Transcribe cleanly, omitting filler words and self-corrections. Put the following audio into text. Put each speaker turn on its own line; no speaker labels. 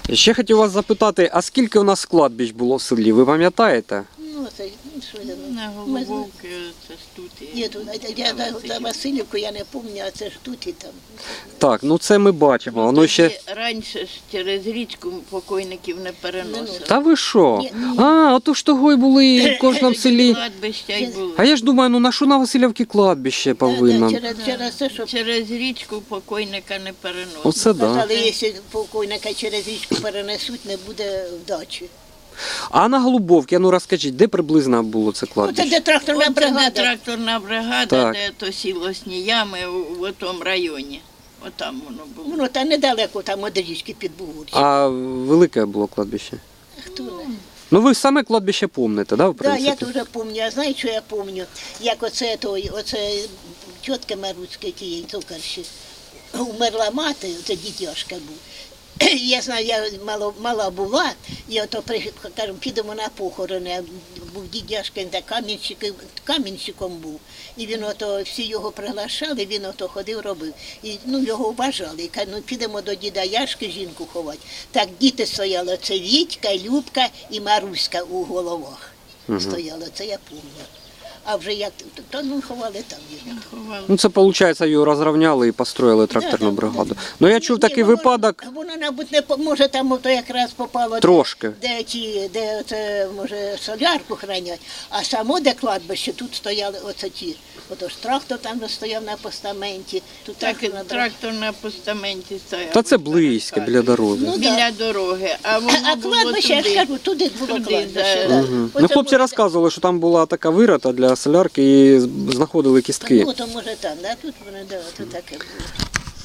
Ще хотів вас запитати, а скільки у нас кладбищ було в селі, ви пам'ятаєте?
Ну, це, що я,
На Голубовки, це ж тут.
Ні, тут, я на Васильівку я не пам'ятаю, а це ж тут і там.
Так, ну це ми бачимо, воно ще...
Раніше ж через річку покойників не переносили.
Та ви що?
Ні.
А, ото ж того й були в кожному селі.
Кладбища й були.
А я ж думаю, ну на що на Васильівці кладбище повинно?
Через те, що
Через річку покойника не переносили.
Оце да.
казали, якщо покойника через річку перенесуть, не буде вдачі.
А на Голубовці, ну розкажіть, де приблизно було це
Ну, це
кладбище?
де тракторна
Оце де
бригада.
тракторна бригада,
Так.
де то сілосні ями в тому районі. Отам воно було.
Воно там недалеко, там від річки під Бугурчі.
А велике було кладбище?
Хто не?
Ну ви саме кладбище пам'ятаєте, да, в
Так, я
принципі?
дуже пам'ятаю. А знаєш, що я пам'ятаю? Як оце тітка Маруцька, тієї цукарші, умерла мати, це дитяшка був. Я знаю, я мала була, і ото кажу, підемо на похорони. А був дідяшка, він так камінщиком був. І він ото, всі його приглашали, він ото ходив, робив. І його вважали. І кажуть, ну підемо до діда Яшки жінку ховати. Так діти стояли, це Вітька, Любка і Маруська у головах. Стояли, це я пам'ятаю. А вже як, ховали там його.
Ховали.
Ну це, виходить, його розрівняли і построїли тракторну бригаду. Ну я чув такий випадок
Воно, мабуть, не може там ото якраз попало,
трошки.
де це, може, солярку хранять, а само де кладбище, тут стояли оце ті. Отож трактор там стояв на постаменті. Тут
Так,
трактор
трактор на постаменті стояв.
Та це близько, біля дороги.
Ну,
Біля дороги, а воно
А
було
кладбище, я ж
туди.
кажу, туди було
Туди,
кладбище.
да.
Да.
Ну,
Оце
хлопці
може,
розказували, що там була така вирота для солярки і знаходили кістки.
Ну, то може там, да? Тут вони, да, тут таке було.